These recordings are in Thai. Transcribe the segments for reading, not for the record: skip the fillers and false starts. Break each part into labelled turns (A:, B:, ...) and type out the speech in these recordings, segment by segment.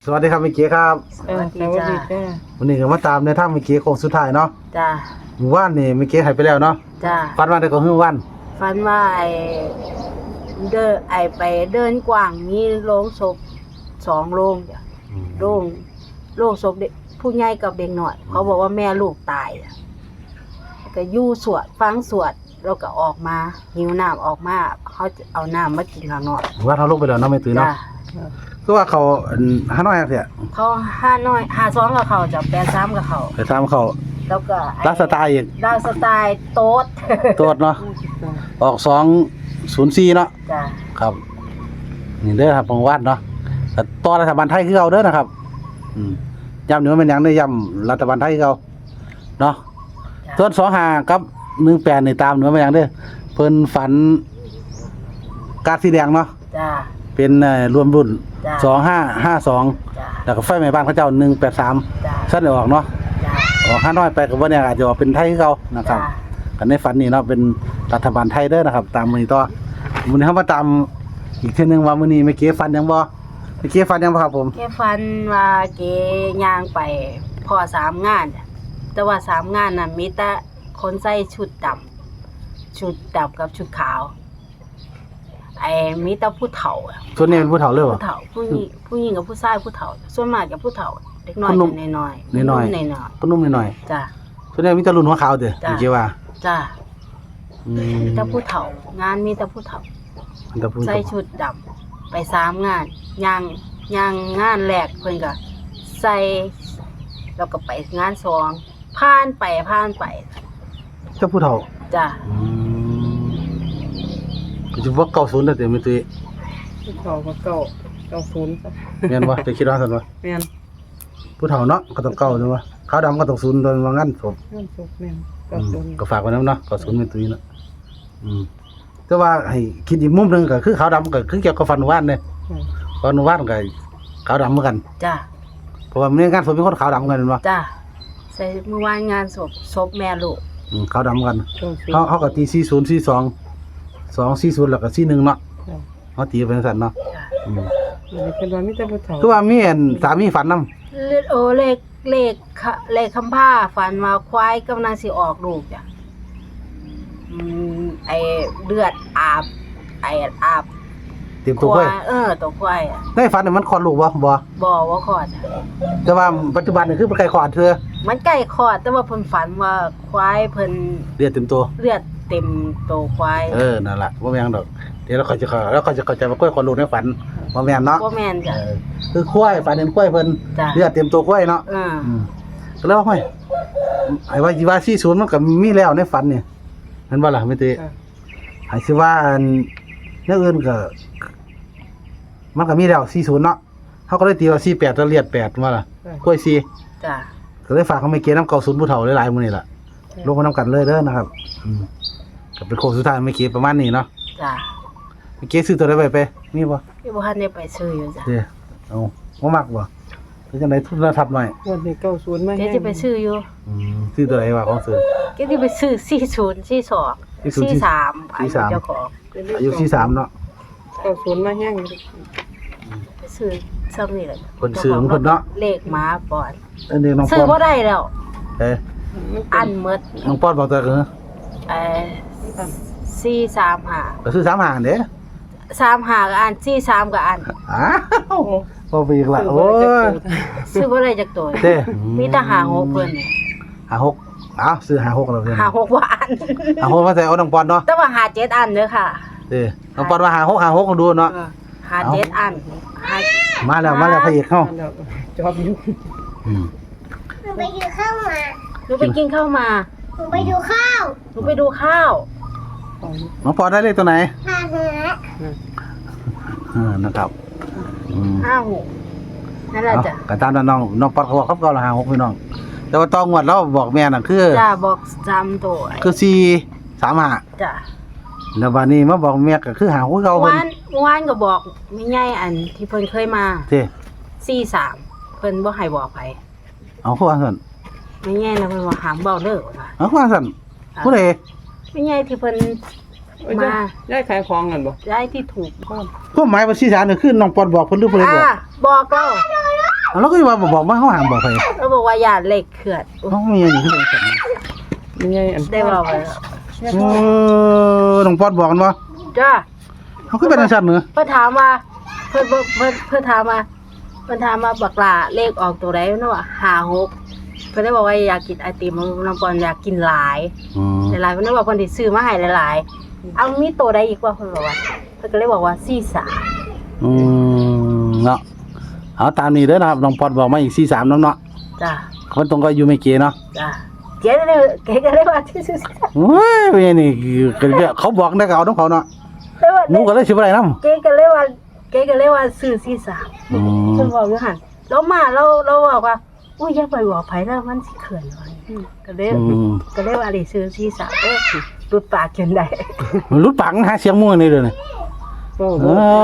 A: สวัสดีครับเมื่อกี้ครับ
B: สวัสดีจ้า
A: วันนี้ก็มาตามในถ้ำเมื่อกี้โค้งสุดท้ายเนาะ
B: จ้า
A: หมู่บ้านนี่เมื่อกี้หายไปแล้วเนาะ
B: จ้า
A: ฟันว่าได้ก็ฮื้อวัน
B: ฝันว่าไปเดินกว้างมีโรงศพ2โรงจ้ะโรงศพเด็กผู้ใหญ่กับเด็กน้อยเขาบอกว่าแม่ลูกตายอะก็อยู่สวดฟังสวดแล้วก็ออกมาหิวน้ำออกมาเขาจะเอาน้ำมากินข้างนอก
A: หมู่บ้านเขาลงไปแล้วเนาะไม่ตื่นเนาะ
B: จ้า
A: คือว่าเขาหาน้อยเสีย
B: เขา5น้อย52กับเขาจ้ะ83กับเขา
A: ไปตามเขา
B: แล้วก็
A: ลักสไตล์อีก
B: ดาวสไตล์โต๊ด
A: ตรวจเนาะออก204เนาะ
B: จ้า
A: ครับนี่เด้อครับของวัดเนาะแต่ต่อรัฐบาลไทยคือเอาเด้อนะครับย้ำนี่ว่าเป็นหยังได้ย้ำรัฐบาลไทยคือเอาเนาะส่วน25กับ18นี่ตามหนูว่าเป็นหยังเด้อเพิ่นฝันการดสีแดงเนาะ
B: จ้า
A: เป็นรวมรุ่น
B: จ้ะ
A: 2552
B: จ้า
A: แล้วก็ไฟไหม้บ้านเขาเจ้า183
B: จ้า
A: สั้นได้ออกเนาะ
B: จ้า
A: ออก5น้อยไปก็บ่แน่อาจจะออกเป็นไทยคือเก่านะครับกันในฝันนี่เนาะเป็นรัฐบาลไทยเด้อนะครับ ตามมื้อนี้ต่อมื้อนี้เฮามาตามอีกเทื่อนึงว่ามื้อนี้เมื่อกี้ฝันหยังบ่เมื่อกี้ฝันหยังบ่ครับผม
B: แกฟันว่าเกย่างไปพอ3งานจ้ะแต่ว่า3งานน่ะมีแต่คนใส่ชุดดำกับชุดขาวมีแต่ผู้เฒ่าอะ
A: ส่วนนี้เป็นผู้เฒ่าเลยบ่
B: ผู้เฒ่าผู้หญิงกับผู้ชายผู้เฒ่าส่วนมากจะผู้เฒ่าเด็กน้อย
A: คนหนุ่ม
B: จะน้อย
A: น้อยๆ
B: น้อย
A: ก็นุ่มหน่อย
B: ๆจ้ะ
A: ๆส่วนนี้มีแต่รุ่นหัวขาวเด้อ
B: จ้ะ
A: เมื่อกี้ว่า
B: จ้ะ
A: อื
B: มีแต่ผู้เฒ่างานมีแต่ผู้เฒ่า
A: มันจะพูด
B: ใส่ชุดดำไป3งานย่างงานแรกเพิ่นก็ใส่แล้วก็ไปงาน2ผ่านไป
A: เจ้าผู้เฒ่า
B: จ้ะ
A: ก็สิว่า90แล้วแต่ไม่ตื้อ
C: เขาก็เก้าศูนย์จ้ะ
A: แม่นบ่จะคิดว่าซั่นบ่
C: แม่น
A: ผู้เฒ่าเนาะก็ต้องเก่าจังว่าขาวดำก็ต้อง0โดนว่างั้นผม
C: เงินสุกแม่นเก้าศูนย์
A: ก็ฝากไว้นำเนาะ90ไม่ตื้อเนาะแต่ว่าให้คิดอีกมุมหนึงก็คือขาวดำก็คือเกี่ยวกับฟันวานเด้ฟันวานก็ขาวดำเหมือนกัน
B: จ้ะ
A: เพราะว่าในงานศพมีคนขาวดำกันแม่นบ่
B: จ้ะใส่เมื่อวานงานศพแม่ลูก
A: ขาวดำกัน
C: เก้าศูนย์
A: เขาก็ตี40 42 240แล้วก็41เนาะเขาตีเป็นซั่นเนาะ
B: จ้ะ
C: อยู่ในเป็นวันมิตรผู้เฒ่า
A: คือว่ามีอันสามีฝันนำ
B: เลขคำผ้าฝันว่าควายกำลังสิออกลูกจ้ะเลือดอาบอาบ
A: เตรียมตัวไว้
B: ตัวควายอะ
A: ในฝันนี่มันคลอดลูกบ่
B: บ่ว่าคลอดจ้ะ
A: แต่ว่าปัจจุบันนี่คือมันใกล้คลอดเธอ
B: มันใกล้คลอดแต่ว่าเพิ่นฝันว่าควายเพิ่น
A: เรียกเต็มตัว
B: เลือดเต็มตัวควาย
A: นั่นล่ะบ่แม่นดอกเดี๋ยวเราค่อยจะเข้าใจว่ากล้วยคลอดลูกในฝันบ่แม่นเนาะ
B: บ่แม่นจ้ะ
A: คือควายฝันเห็นควายเพิ่น
B: จ้ะ
A: เลือดเต็มตัวควายเนาะก็แล้วห้อยไอ้ว่าสิว่า40มันก็มีแล้วในฝันนี่เห็นบ่ล่ะแม่ติ
C: จ้ะ
A: ให้สิว่าอันแนวอื่นก็มันก็มีแล้ว40เนาะเฮาก็เลยตีว่า48แล้วเลียด8ว่าล่ะกล้วย4
B: จ้ะ
A: ก็เลยฝากเขาไม่เกน้ำเก่าศูนย์ผู้เฒ่าหลายๆมื้อนี่ล่ะลงมานํกันเลยเด้อนะครับก็เป็นโค้งสุดท้ายไม่เกประมาณนี้เนาะ
B: จ้ะ
A: ไม่เกซื้อตัวใดไปมีบ่
B: พี่บ่ทันได้ไปซื้ออยู่จ้ะ
A: เด้อเอาบ่มักบ่เป็นจังได๋ทุนระทับหน่อย
C: วันนี้เก้าศูนย์มา
B: เดี๋ยว
C: แห้ง
B: สิไปซื้ออยู่
A: ซื้อตัวใดว่าของซื้อ
B: เดี๋ยวสิไปซื้อ40 42 43อายุเจ้าของ
A: อายุ43เนาะ
C: เก้าศูนย์มาแห้ง
B: ไปซื้อซ้ำนี่แหละ
A: เพิ่นซื้อของเพิ่นเนาะ
B: เลขหมาปอน
A: เด้อน้อง
B: ซื้
A: ป
B: อ
A: อน
B: บ่ได้แล้ว อันหมด
A: น้องปอนบอกตัวคือ
B: 435
A: ก็ซื้อ35เด้
B: 35ก็อัน43ก็อัน
A: อ้าวบ่ไปอีกละโอ้ย
B: ซื้อบ่ได้จักตัว
A: เด้
B: มีแต่56เพิ่นนี่
A: 56อ้าวซื้อ56แล้วเพิ่น
B: 56ว่าอัน
A: 56มาใส่เอาน้องปอนเนาะ
B: แต่ว่า57อันเด้อค่ะ
A: เด้น้องปอนว่า56ก็ดูเนาะ
B: 57อัน
A: มาแล้วพระเอกเฮา
C: แล้วจอบอยู่
D: หนูไปกินข้าวมา
B: หนูไปกินข้าวมา
D: หนูไปดูข้าว
B: หนูไปดูข้าว
A: น้องปอนได้เลขตัวไหน
D: หาเนื้อ
A: นะครับ
B: 56นั่นแหละจ้ะ
A: ก็ตามนั้นน้องปอนเขาบอกครับก็ละ56พี่น้องแต่ว่าต้องงวดแล้วบอกแม่น่ะคือ
B: จ้ะบอก3ตัว
A: คือ435
B: จ้ะ
A: แล้วบัดนี้มาบอกแม่ก็คือ56คือเก่าเพิ่น
B: วานก็บอกไม่ใหญ่อันที่เพิ่นเคยมา
A: เด้
B: 43เพิ่นบ่ให้บอกไผ
A: เอาคือว่าซั่น
B: ไม่ใหญ่นะเพิ่นว่าหามเว้าเด้อว่า
A: เอาคือว่าซั่นผู้ใด
B: ไม่ใหญ่ที่เพิ่นมา
C: ได้ขายของกันบ่
B: ได้ที่ถูก
A: ความหมายว่า43นี่คือน้องปอนบอกเพิ่นหรือเพิ่นบอก
B: บอกเรา
A: แล้วก็ว่าบอกว่าเขาห้ามบอกไป
B: เราบอกว่าอย่าเลขเคลื่อน
A: เขามีอย่างนี้ที่เป็นสัตว์
C: ไม่ใช่อัน
B: ได้บอกไปแล้ว
A: โอ้น้องปอดบอกกันว่า
B: จ้า
A: เขาคือเป็นสัตว์เนื้อ
B: เพิ่นถามว่าเพิ่นถามมาบักหลาเลขออกตัวใดเนาะ56เพิ่นได้บอกว่าอยากกินไอติมน้องปอนอยากกินหลายหลายเพิ่นได้บอกเพิ่นสิซื้อมาให้หลายๆเอามีตัวใดอีกว่าเพิ่นบอกว่าเพิ่นก็เลยบอกว่า43
A: เนาะเอาตามนี้เด้อนะครับน้องปอดบอกมาอีก43น้ำเนาะ
B: จ้า
A: คนตรงก็อยู่ไม่เก๋เนาะ
B: จ้าเก๋ก็เลยว่าที่43
A: โอ้ยเป็นนี่เขาบอกได้ก็เอาน้องเขาเนาะหนูก็เลยสิบ่ได้นำ
B: เก๋ก็เลยว่าซื้อ43เพิ่นบอกอยู่หั่นแล้วมาเราบอกว่าอุ้ยอย่าไปบอกไผแล้วมันสิเขินเลยก็เลยว่าได้ซื้อ43รุดปากจนได้
A: มันรุดปังหาเสียงมั่วนี่เด้อนี่
C: โอ้โห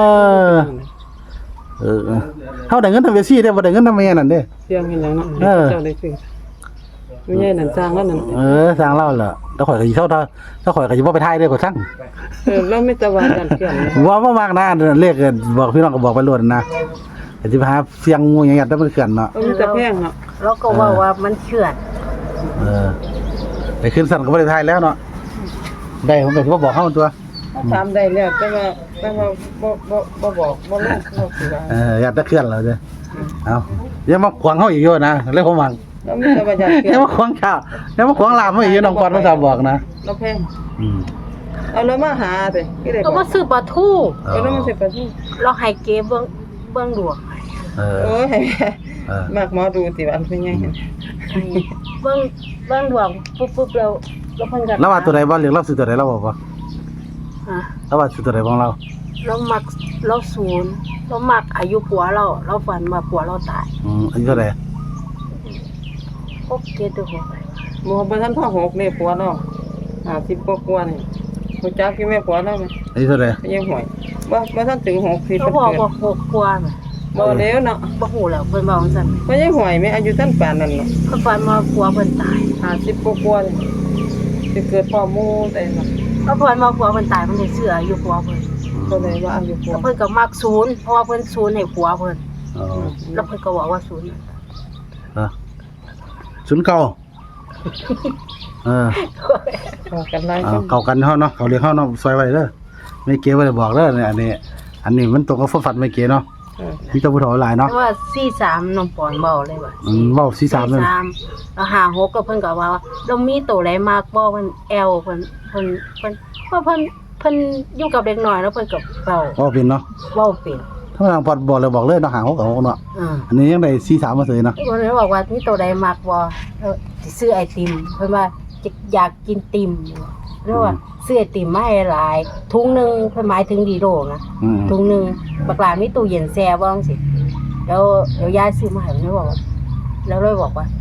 A: เขาได้เงินทำเวซี่ได้บ่ได้เงินทำแม่นั่นเด้
C: เสียงเห็นแล้วเนาะเจ้าได้ซื้อไม่ใช่นั่นสร้างแล้วนั่น
A: สร้างเล่าล่ะแล้วข่อยก็สิเท่าถ้าข่อยก็สิบ่ไปทายเด้อก็สั่ง
C: แล้วไม่ตะวันกันเพื่อนเลย
A: ว่ามากนะเลขบอกพี่น้องก็บอกไปโลดนะก็สิไปหาเสียงงูอย่างเงี้ยแต่มันเกินเนาะ
C: มันจะแพงเนาะ
B: แล้วก็ว่ามันเขื่อน
A: ไปขึ้นสั่นก็บ่ได้ทายแล้วเนาะได้ผมก็สิบ่บอกเฮาตัว
C: ถามได้แล้วแต่ว่าบ่บอกบ่รู้เขาสิว่า
A: อยากจะเคลื่อนแล้วเด้อเอาอย่ามาขวางเฮาอีกอยู่นะเรื่องผมหวัง
C: แล้วมีแต่ว่าอยากเปลี่
A: อย ย่าน มาขวางข้าวอย่ามาขวางลามเฮาอีกอยู่น้องปอนต้องบอกนะ
C: แล้วแพงเอาแล้วมาหาสิที่ได้
B: ก็มาซื้อปลาทู
C: แล้วมันสิไปที่
B: เราให้เก๋เบิ่งดวง
C: โอ้ยมากหมอดูสิว่าอันเป็นไง
B: เบิ่งดวงปุ๊บแล้วเพิ่นก็
A: แล้วว่าตัวใดบ่เรียกเราซื้อตัวใดเราบอกว่า
B: ฮะ
A: แล้วว่าซื้อตัวใดของเรา
B: เรามักเราศูนย์เรามักอายุผัวเราฝันว่าผัวเราตาย
A: อายุเท่าไหร่
B: พบเกตุหัวไป
C: หมอบ่ทันพ่อ6นี่ผัวเนาะ50กว่านี่รู้จักที่แม่ผัวแล้วมั้ย
A: อายุเท่าไหร่
C: ยังห่วยบ่ทันถึง6ที่
B: เขา
C: เพิ่น
B: บอก
C: เกิด
B: ว่า6กว่าน่ะ
C: บ่แล้วเนาะ
B: บ่ฮู้แล้วเพิ่นบอกจังซั่น
C: บ่ยังห่วยแม่อายุท่านปานนั้นเนาะ
B: เพิ่นฝันว่าผัวเพิ่นตาย
C: 50กว่านี่สิเกิดพ่อหมู่ได้เนาะ
B: แล้วเพิ่นว่าผัวเพิ่นตายเพิ่นได้ซื้ออายุผัวเพิ่น
C: ก็เลยว่าอายุผัว
B: แล้วเพิ่นก็มักศูนย์เพราะว่าเพิ่นศูนย์ให้ผัวเพิ่น
A: อ๋อ
B: แล้วเพิ่นก็บอกว่าศูนย์
A: ศูนย์เก่า
C: เข้ากันหลายคน
A: เก่ากันเฮาเนาะเขาเรียกเฮาเนาะซอยไว้เด้อไม่เก๋บ่ได้บอกเด้อเนี่ยอันนี้มันตรงกับฝันไม่เก๋เนาะมีแต่ผู้เฒ่าหลายเนาะ
B: แต่ว่า43น้องปอนเว้าเลยว่า
A: เว้า43นั่น
B: แล้ว56ก็เพิ่นก็ว่าเรามีตัวใดมากบ่เพิ่นแอลเพิ่นว่าเพิ่นอยู่กับเด็กน้อยแล้วเพิ่นก็เว้า
A: เว้าเป็นเนาะ
B: เว้าเป็น
A: ถ้าทางพอดบอกเลยเนาะหาง6กับ6เนาะอันนี้ยังได้43มาเสยเนาะ
B: เพิ่นเลยบอกว่ามีตัวใดมากบ่สิซื้อไอติมเพิ่นว่าอยากกินติ่มเรียกว่าซื้อไอติมมาให้หลายถุงนึงเพิ่นหมายถึงดีโดนะถุงนึงบักหลามีตู้เย็นแช่บ่จังซี่แล้วยายซื้อมาให้เพิ่นบอกว่าแล้วเลยบอกว่า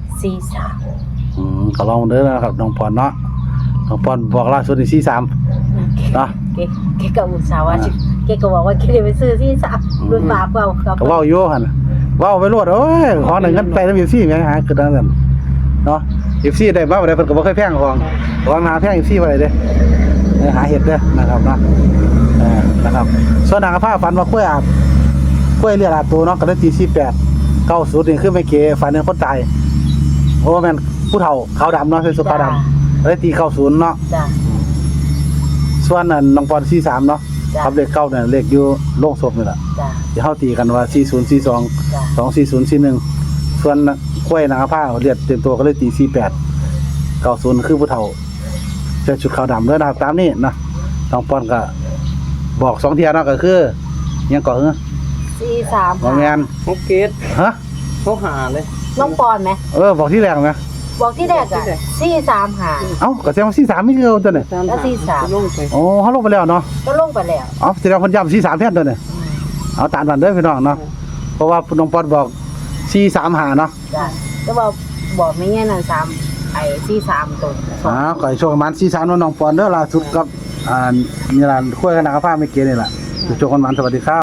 B: 43
A: ก็ลองเด้อนะครับน้องพรเนาะน้องพรบอกล่าสุดนี่43เนาะ
B: เกก็อุตส่าห์ว่าเกก็บอกว่าเกได้ไปซื้อ43รุ่นบาปเว้าครับ
A: ก็เว้าอยู่หั่นเว้าไปโลดโอ้ยขอหนึ่งกันไปนำ FC แม่หาคือดังนั้นเนาะ FC ได้มาบ่ได้เพิ่นก็บ่เคยแพงของหาแพง FC บ่ได้เด้หาเฮ็ดเด้อนะครับเนาะนะครับส่วนนางผ้าฝันว่ากล้วยอาบกล้วยเรียกอาบตัวเนาะก็ได้ตี48 90นี่คือไม่เก๋ฝันเห็นคนตายโอ้แม่นผู้เฒ่าขาวดำเนาะใส่สุดขาวดำได้ตี90เนาะ
B: จ้ะ
A: ส่วนนั้นน้องปอน43เนาะครับเลขเก้าเนี่ยเลขอยู่โรงศพนี่ล่ะ
B: จ้ะ
A: เดี๋ยวเฮาตีกันว่า4042
B: จ้ะ
A: 24041ส่วนกล้วยนางผ้าเรียกเต็มตัวก็เลยตี48 90คือผู้เฒ่าใส่ชุดขาวดำเด้อนะครับตามนี้นะน้องปอนก็บอก2เที่ยเนาะก็คือยังก่อหือ
B: 43
A: บ่แม่น
C: 6เกต
A: ฮะ
C: เขาหาเลย
B: น้องปอนไหม
A: บอกที่แรกไหม
B: บอกที่แรกอ่ะ435
A: เอ้าก็แสดงว่า43ไม่คือเอาตัวเนี่ย
B: แล้วที่สาม
C: ลงไป
A: โอ้เฮาลงไปแล้วเนาะ
B: ก็ลงไปแล้ว
A: อ๋อแสดงว่าเพิ่นย้ำ43แทนตัวเนี่ยเอาตามนั้นเด้อพี่น้องเนาะเพราะว่าน้องปอนบอก435เนาะ
B: จ้ะก็บอกไม่แง่นั่น3ไอ้43ตัว
A: ก็ให้โชคประมาณ43น้องปอนเด้อล่าสุดกับนี่ล่ะคุยกันนะครับผ้าไม่เก๋นี่ล่ะโชคกันมันสวัสดีครับ